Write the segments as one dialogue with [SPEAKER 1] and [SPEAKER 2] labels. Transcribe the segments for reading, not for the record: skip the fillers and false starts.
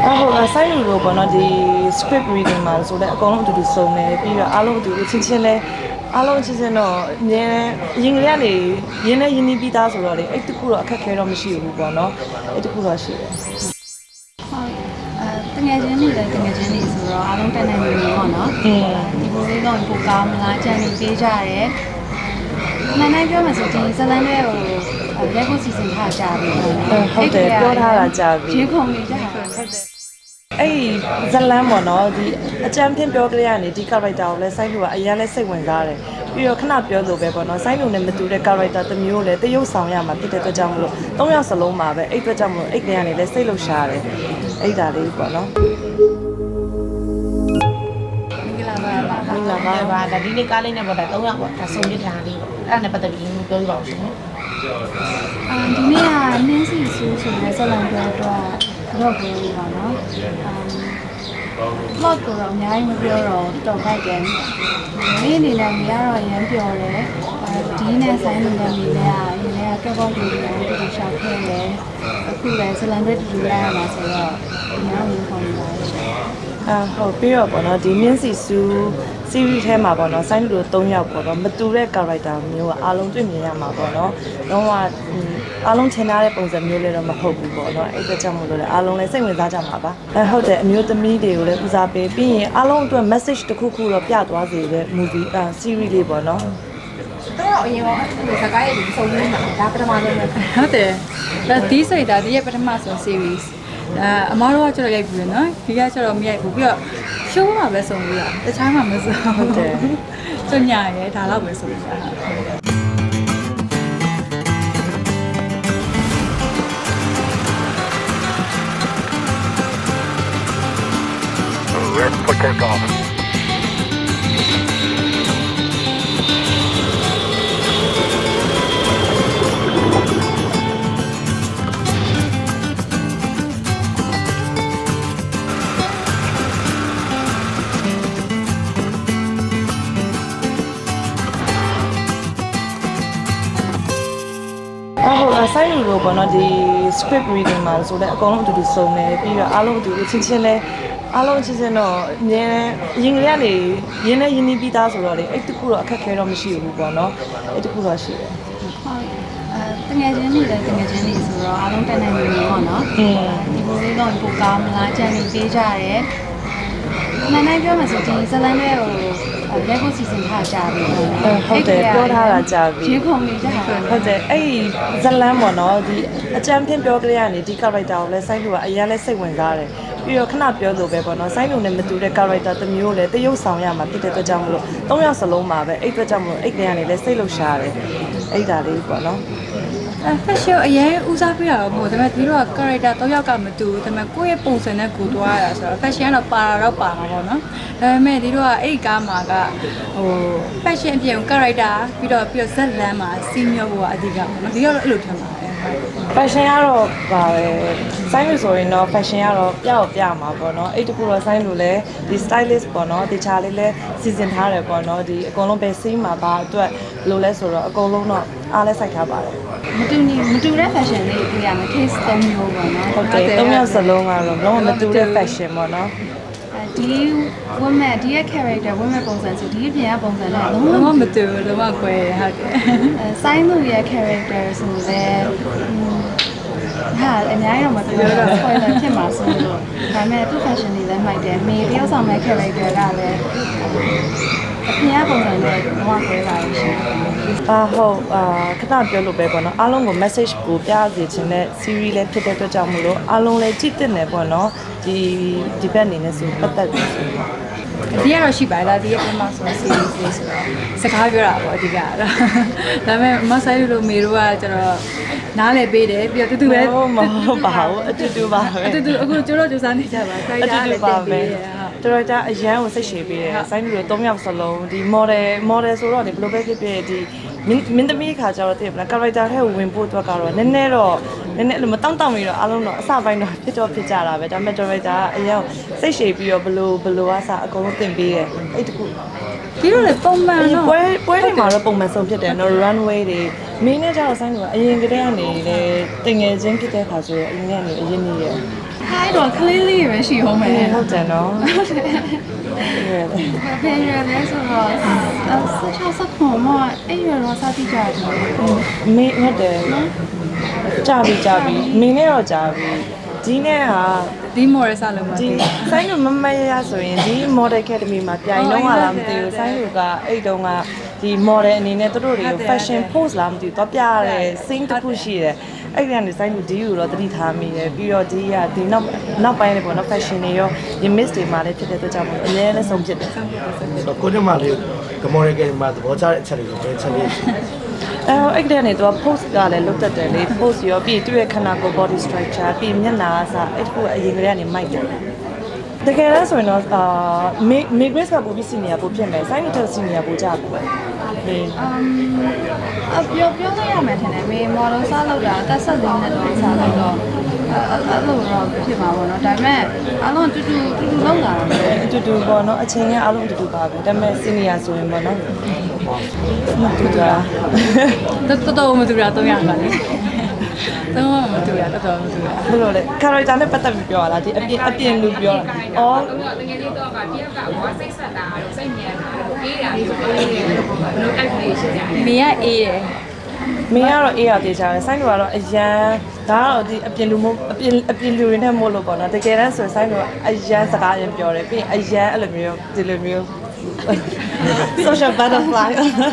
[SPEAKER 1] ဆိုင်လူလိုပေါ့နော်ဒီ script reading မှာဆိုတော့အကုန်လုံးအတူတူစုံတယ်ပြီးတော့အားလုံးအတူတူချင်းချင်းလဲအားလုံးချင်းချင်းတော့အမြဲရင်ကလေးကနေရင်းနဲ့ရင်းနှီးပြီးသားဆိုတော့လေအဲ့တခုတော့အခက်ခဲတော့မရှိဘူးပေါ့နော်အဲ့တခုတော့ရှိတယ်
[SPEAKER 2] တငယ်ချင်းတွေလည်းတငယ်ချင်းတွေဆိုတော့အားလုံးတက်နိုင်နေပြီပေါ့နော်ဒီလိုလေးတော့ပိုကောင်းမလားကြံနေပေးကြရဲနိုင်ပြောမှဆိုဒီဇလန်လေးကိုရက်ကိုစီစဉ်ထားကြပြီ
[SPEAKER 1] ဟုတ်တယ်ပြောထားတာကြာပြီ
[SPEAKER 2] ရေခုံနေကြတာဟုတ်တယ်
[SPEAKER 1] အဲ့ဇလန်းပေါ့နော်ဒီအကြမ်းဖျင်းပြောကလေးကနေဒီ character ကိုလည်းစိုင်းလူကအရင်လဲစိတ်ဝင်စားတယ်ပြီးတော့ခဏပြောလို့ပဲပေါ့နော်စိုင်းလူနဲ့မတူတဲ့ character တစ်မျိုးလည်းတရုပ်ဆောင်ရမှာဖြစ်တဲ့အတွက်ကြောင့်မလို့၃ယောက်စလုံးမှာပဲအဲ့အတွက်ကြောင့်မလို့အဲ့ကလေးကနေလည်းစိတ်လှုပ်ရှားတယ်အဲ့ဒါလေးပေါ့နော်
[SPEAKER 2] မင်္ဂလာပါ
[SPEAKER 3] ဒါဒီနေ့ကားလေးနဲ့ပေါ့ဒါ3ယောက်ပေါ့ဒါစုံရထားလေးပေါ့အဲ့ဒါနဲ့ပတ်သက်ပြီးပြောပြပါဦးရှင်
[SPEAKER 2] ဒီနေ့ကနင်းစီဆူဆိုတဲ့ဇလန်ပြောတော့တော့ပြောလို့ပါနော်လော့ကတော့အများကြီးမပြောတော့တော်ဖိုက်တယ်ဒီအနေနဲ့မရတော့ရမ်းပြောတယ်ဒီနဲ့ဆိုင်နေတဲ့မိလေးကရင်းကကက်ဘော့လေးကိုတူတူရှောက်ခဲ့တယ်အခုလည်းဇလန်တွေတူတူရရမှာဆိုတော့အများကြီးခေါ်နေပါရှင်
[SPEAKER 1] ဟုတ်ပြီးတော့ပေါ့နော်ဒီမြင့်စီစူး series ထဲမှာပေါ့နော်ဆိုင်းလူတို့3ယောက်ပေါ့နော်မတူတဲ့ character မျိုးကအားလုံးတွေ့မြင်ရမှာပေါ့နော်တော့အားလုံးထင်ထားတဲ့ပုံစံမျိုးလည်းတော့မဟုတ်ဘူးပေါ့နော်အဲ့ဒါကြောင့်မို့လို့လည်းအားလုံးလည်းစိတ်ဝင်စားကြမှာပါဟုတ်တယ်အမျိုးသမီးတွေကိုလည်းဦးစားပေးပြီးရင်အားလုံးအတွက် message တစ်ခုခုတော့ပြသွားစေတဲ့ movie series လေးပေါ့နော်
[SPEAKER 3] တော့အရင်ကစကားရည်စုံနေတာဒါပထမဆုံးပဲ
[SPEAKER 2] ဟုတ်တယ်ဒါဒီစိတ်ဒါဒီရဲ့ပထမဆုံး series အမားတို့ကကျတော့ရိုက်ပြီးနော်ဒီကကျတော့မရိုက်ဘူးပြီးတော့ show မှာပဲစုံပြီးတာတခြားမှာမစုံဟုတ်တယ်ကျညာရဲဒါတော့ပဲစုံပြီးတာ
[SPEAKER 4] Put take off.
[SPEAKER 1] ဆိုင်လူလိုပေါ့နော်ဒီ script reading မှာဆိုတော့အကုန်လုံးအတူတူစုံတယ်ပြီးတော့အားလုံးအတူတူချင်းချင်းလဲအားလုံးချင်းချင်းတော့အမြဲရင်ကလေးကနေရင်းနဲ့ရင်းနှီးပြီးသားဆိုတော့လေအဲ့တခုတော့အခက်ခဲတော့မရှိဘူးပေါ့နော်အဲ့တခုတော့ရှိတယ်
[SPEAKER 2] တငယ်ချင်းတွေလည်းတငယ်ချင်းတွေဆိုတော့အားလုံးတက်နိုင်နေပြီပေါ့နော်ဒီလိုလေးတော့ပိုကောင်းမလားကြံနေပေးကြရဲနိုင်ပြောမှဆိုဒီဇလန်လေးကိုရက်ကိုစီစဉ်ထားကြပြီ
[SPEAKER 1] ဟုတ်တယ်ပြောထားတာကြာပြီ
[SPEAKER 2] ရေခုံနေကြတာ
[SPEAKER 1] ဟုတ်တယ်အဲ့ဇလန်းပေါ့နော်ဒီအကြမ်းဖျင်းပြောကလေးကနေဒီ character ကိုလည်းစိုင်းလူကအရင်လဲစိတ်ဝင်စားတယ်ပြီးတော့ခဏပြောလို့ပဲပေါ့နော်စိုင်းလူနဲ့မတူတဲ့ character တစ်မျိုးလည်းတရုပ်ဆောင်ရမှာဖြစ်တဲ့အတွက်ကြောင့်မလို့၃ယောက်စလုံးမှာပဲအဲ့အတွက်ကြောင့်မလို့အဲ့ကလေးကနေလည်းစိတ်လှုပ်ရှားတယ်အဲ့ဒါလေးပေါ့နော်
[SPEAKER 2] fashion အရင်ဦးစားပေးတာတော့မဟုတ်ဒါပေမဲ့ဒီတော့ character 3ယောက်ကမတူဘူးဒါပေမဲ့ကိုယ့်ရဲ့ပုံစံနဲ့ကိုသွားရတာဆိုတော့ fashion ကတော့ပါတော့ပါမှာပေါ့နော်ဒါပေမဲ့ဒီတော့အဲ့ကားမှာကfashion အပြင် character ပြီးတော့ဇက်လန်းမှာ senior ဘောကအဓိကပေါ့နော်ဒီကတော့အဲ့လိုထင်ပါတယ်
[SPEAKER 1] fashion ကတော့ပါပဲစိုင်းလို့ဆိုရင်တော့ fashion ကတော့ပြမှာပေါ့နော်အဲ့တခုတော့စိုင်းလို့လဲဒီ stylist ပေါ့နော်ဒီချာလေးလဲစီစဉ်ထားတယ်ပေါ့နော်ဒီအကုန်လုံးပဲ scene မှာပါအတွက်လို့လဲဆိုတော့အကုန်လုံးတော့အားလဲစိုက်ထားပါတယ်
[SPEAKER 2] မတူတဲ့ fashion လေးတွေ့ရမယ် case 3မျိုးပေါ့နော်
[SPEAKER 1] ဟုတ်တယ်3ယောက်စလုံးကတော့လုံးဝမတူတဲ့ fashion ပေါ့နော်
[SPEAKER 2] ဒီ woman ဒီရဲ့ character woman ပုံစံဆိုဒီအပြင်ကပုံစံနဲ့လုံးဝမတူဘူးလုံးဝကွဲဟုတ်တယ်ဆိုင်းသူရဲ့ character ဆိုလည်းဟာအများကြီးတော့မပြောတော့ spoiler ဖြစ်မှာဆိုလို့ဒါပေမဲ့သူ့ fashion တွေလည်းမိုက်တယ်မေတယောက်ဆောင်တဲ့ character ကလည်းအပြင်ပုံစံနဲ့တော့ကွဲပါလို့ရှိရင်
[SPEAKER 1] ဟုတ်ခဏပြောလို့ပဲပေါ့နော်အားလုံးကို message ကိုပြစေချင်တဲ့ series လေးဖြစ်တဲ့အတွက်ကြောင့်မလို့အားလုံးလည်းကြည့်တင်တယ်ပေါ့နော်ဒီဘက်အနေနဲ့ဆိုပတ်သက်ပြီးဆိုတော့
[SPEAKER 2] ဒီကတော့ရှိပါလားဒီရဲ့ပြန်မဆို series လေးဆိုတော့စကားပြောတာပေါ့အဓိကတော့ဒါပေမဲ့မဆိုင်လို့မေတို့ကကျတော့နားလည်းပေးတယ်ပြီးတော့တူတူပဲ
[SPEAKER 1] မဟုတ်ပါဘူးအတူတူပါပဲ
[SPEAKER 2] အတူတူအခုကျတော့စူးစမ်းနေကြပါခိုင်းတာလည်းတင်ပေးတယ်
[SPEAKER 1] တော်တော်အရန်ကိုစိတ်ရှည်ပေးတယ်ဆိုင်းလူတို့3ယောက်စလုံးဒီ model ဆိုတော့ဒီဘယ်လိုပဲဖြစ်ဖြစ်ဒီမင်းသမီးခါကျတော့တည်မလား character ထဲကိုဝင်ဖို့အတွက်ကတော့နည်းနည်းအဲ့လိုမတောင့်တောင့်ပြီးတော့အားလုံးတော့အစပိုင်းတော့ဖြစ်ကြတာပဲဒါပေမဲ့ character ကအရန်စိတ်ရှည်ပြီးတော့ဘယ်လိုအစအကုန်လုံးတင်ပေးတယ်အဲ့တခု
[SPEAKER 2] ဒီလိုလေပုံမှန်တော့
[SPEAKER 1] ပွဲတွေမှာတော့ပုံမှန်ဆုံးဖြစ်တယ်နော် runway တွေမင်းနဲ့ကျတော့ဆိုင်းလူကအရင်ကတည်းကနေလေတင်ငယ်ချင်းဖြစ်တဲ့ခါဆိုတော့အရင်ကနေအရင်နေရ
[SPEAKER 2] ဟာအဲ့တော့ clearly ပဲရှိဟောမယ်
[SPEAKER 1] ဟုတ်တယ်နော်
[SPEAKER 2] ဘယ်ရလဲဆိုတော့16ခုမှအဲ့ရတော့စတိကြတယ်
[SPEAKER 1] မေဟုတ်တယ်ကြာပြီမင်းနဲ့တော့ကြာပြီဒီနဲ့ဟာ
[SPEAKER 4] ဒီမော်ရယ်စားလုံးမှာ
[SPEAKER 1] ဒီဆိုင်လူမမရဆိုရင်ဒီ model academy မှာပြိုင်တော့လာမသိဘူးဆိုင်လူကအဲ့တုန်းကဒီ model အနေနဲ့သူတို့တွေကို fashion post လာမသိဘူးတော့ပြရတယ် sing တစ်ခုရှိတယ်အဲ့ဒီကနေဆိုင်လူဒီကိုတော့တတိထားမိတယ်ပြီးတော့ဒီကဒီနောက်ပိုင်းလေးပေါ့နော် fashion တွေရောဒီ miss တွေမှာလည်းဖြစ်တဲ့အတွက်ကြောင့်အများနဲ့ဆုံးဖြစ်တယ်
[SPEAKER 5] ဆိုတော့ကိုတက်မလေးကမော်ရကယ်မှာသဘောကျတဲ့အချက်တွေကိုပဲချက်လေးရှိတယ်
[SPEAKER 1] အဲ့တဲ့နေတော့ post ကလည်းလုတ်တက်တယ်လေ post ရောပြီးသူ့ရဲ့ခန္ဓာကိုယ် body structure ပြီးမျက်နှာအစားအဲ့ခုအရင်ကတည်းကနေမိုက်တယ်တကယ်လဲဆိုရင်တော့မေ grace ကပိုပြီးစီနီယာပိုဖြစ်မယ်ဆိုင်းနီတက်စီနီယာပိုကြပြီပဲဟင်း
[SPEAKER 2] ပြောလို့ရမယ်ထင်တယ်မေ model စားလောက်တာတက်ဆက်သေးနဲ့တော့စားလောက်တော့အဲ့လိုတော့ဖြစ်မှာပေါ့နော်ဒါပေမဲ့အားလုံးတူလောက်လာတာပဲ
[SPEAKER 1] အတူတူပေါ့နော်အချိန်ကအလုံးအတူတူပါပဲဒါပေမဲ့စီနီယာဆိုရင်ပေါ့နော်မတူတာ
[SPEAKER 4] တော်မတူတာ300ပါလေတော့မတူတာတော်မတူတာ
[SPEAKER 1] ဘယ်လိုလဲ character နဲ့ပတ်သက်ပြီးပြောရလားဒီအပြင်လူပြောတာအော်
[SPEAKER 6] တကယ်လေးတော့ကတယောက်ကဘောစိတ်ဆက်တာတော့စိတ်ညံတာတော့အေးတာဆိုအေးတယ်ဘယ်လိုတိုက်လေးရှိကြတယ်
[SPEAKER 4] မေကအေးတယ်
[SPEAKER 1] မင်းကတော့အေးရသေးကြတယ်ဆိုင်းလူကတော့အရန်ဒါကတော့ဒီအပြင်လူမို့အပြင်လူတွေနဲ့မို့လို့ပေါ့နော်တကယ်တမ်းဆိုဆိုင်းလူကအရန်စကားရင်ပြောတယ်ပြီးအရန်အဲ့လိုမျိုးဒီလိုမျိုး social butterfly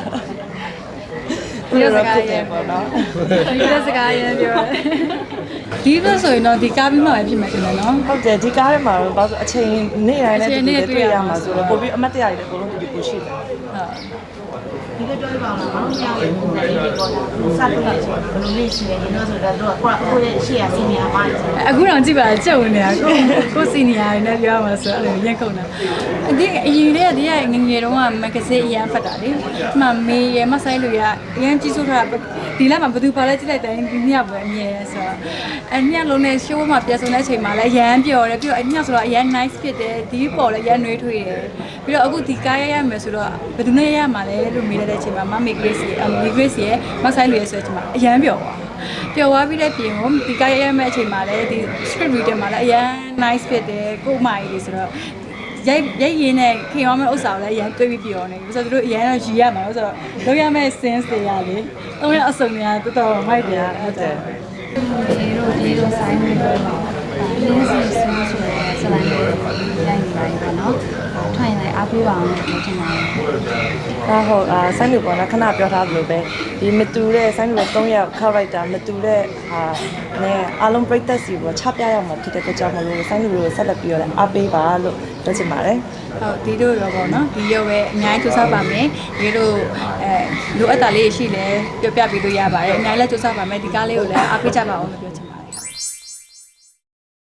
[SPEAKER 1] ဒီလိုဖြစ်တယ်ပေါ့နော်
[SPEAKER 4] ဒီလက်စကားရေးပြောတယ်ဒီလိုဆိုရင်တော့ဒီကားပြီးမှပဲဖြစ်မှာတင်တယ်နော်
[SPEAKER 1] ဟုတ်တယ်ဒီကားထဲမှာတော့ဘာလို့အချိန်နေ့တိုင်းနဲ့တူတူတွေ့ရမှာဆိုတော့ပို့ပြီးအမတ်တရားတွေလည်းအကုန်လုံးတူတူကိုရှိတယ်
[SPEAKER 3] ဒီလိုပြောပြပါဦးလားဘာလို့မရဘူးပုံစံလေးတွေပေါ်လာစတဲ့ဘယ်လိုလေးရှိလဲဒီတော့ဆိုတော့တို့ကကိုယ့်ရဲ့ရှေ့ရစီနီယာမိုင်းဆို
[SPEAKER 4] အခုတော့ကြည့်ပါကြုံနေတာကိုစီနီယာတွေနဲ့ပြောမှာဆိုအဲ့လိုရက်ကုန်တာဒီအရင်တည်းကဒီကငငယ်တုန်းကမဂ္ဂဇင်းအရန်ဖတ်တာလေဒီမှာမေရမဆိုင်လူရအရန်ကြီးစိုးထားဒီလမှာဘယ်သူပါလဲကြည့်လိုက်တိုင်းဒီညပဲအမြဲဆိုတော့အညလုံးနဲ့ show မှာပြန်ဆုံတဲ့အချိန်မှာလည်းအရန်ပျော်တယ်ပြီးတော့အညဆိုတော့အရန် nice ဖြစ်တယ်ဒီပေါ်လည်းအရန်နှွေးထွေးတယ်ပြီးတော့အခုဒီကားရရမယ်ဆိုတော့ဘယ်သူနဲ့ရရမှာလဲလို့မေးတဲ့အချိန်မှာမမေ Grace မေ Grace ရဲ့မဆိုင်လူရဲ့ဆိုတဲ့အချိန်မှာအရန်ပျော်သွားပြီးတဲ့ပြင်ကိုဒီကားရမယ့်အချိန်မှာလည်းဒီ script reader မှာလည်းအရန် nice ဖြစ်တယ်ကို့မိုင်လေးဆိုတော့ရိုက်ရင်းနဲ့ခင်ရောမယ့်ဥစ္စာကိုလည်းအရန်တွေးပြီးပြောနေပြီဆိုတော့သူတို့အရန်တော့ရည်ရမှာဆိုတော့လုပ်ရမယ့် sense တွေရလေသုံးရအစုံတွေကတော်တော်မိုက်တယ်ဟုတ်တယ်
[SPEAKER 2] ဒီလိုဆိုင်နေတော့လင်းစီဆူဆိုတဲ့ဇလန်လေးရိုက်နေပါပြီပေါ့နော်ထိုင်လိုက်အားပေးပါအောင်လို့ပြောချင်ပါတယ်
[SPEAKER 1] ဒါဟုတ်ဆိုင်းလူပေါ့နော်ခဏပြောထားသလိုပဲဒီမတူတဲ့ဆိုင်းလူ3ယောက် character မတူတဲ့ဟာနဲ့အားလုံးပြိသက်စီပေါ့ချပြရမှာဖြစ်တဲ့အတွက်ကြောင့်မလို့ဆိုင်းလူကိုဆက်လက်ပြီးတော့အားပေးပါလို့ပြောချင်ပါတယ်
[SPEAKER 4] ဟုတ်ဒီတို့ရောပေါ့နော်ဒီရောပဲအများကြီးစူးစမ်းပါမယ်ဒီတို့လိုအပ်တာလေးရှိလဲပြောပြပေးလို့ရပါတယ်အများကြီးလည်းစူးစမ်းပါမယ်ဒီကားလေးကိုလည်းအားပေးကြပါအောင်လို့ပြောချင်ပါတယ်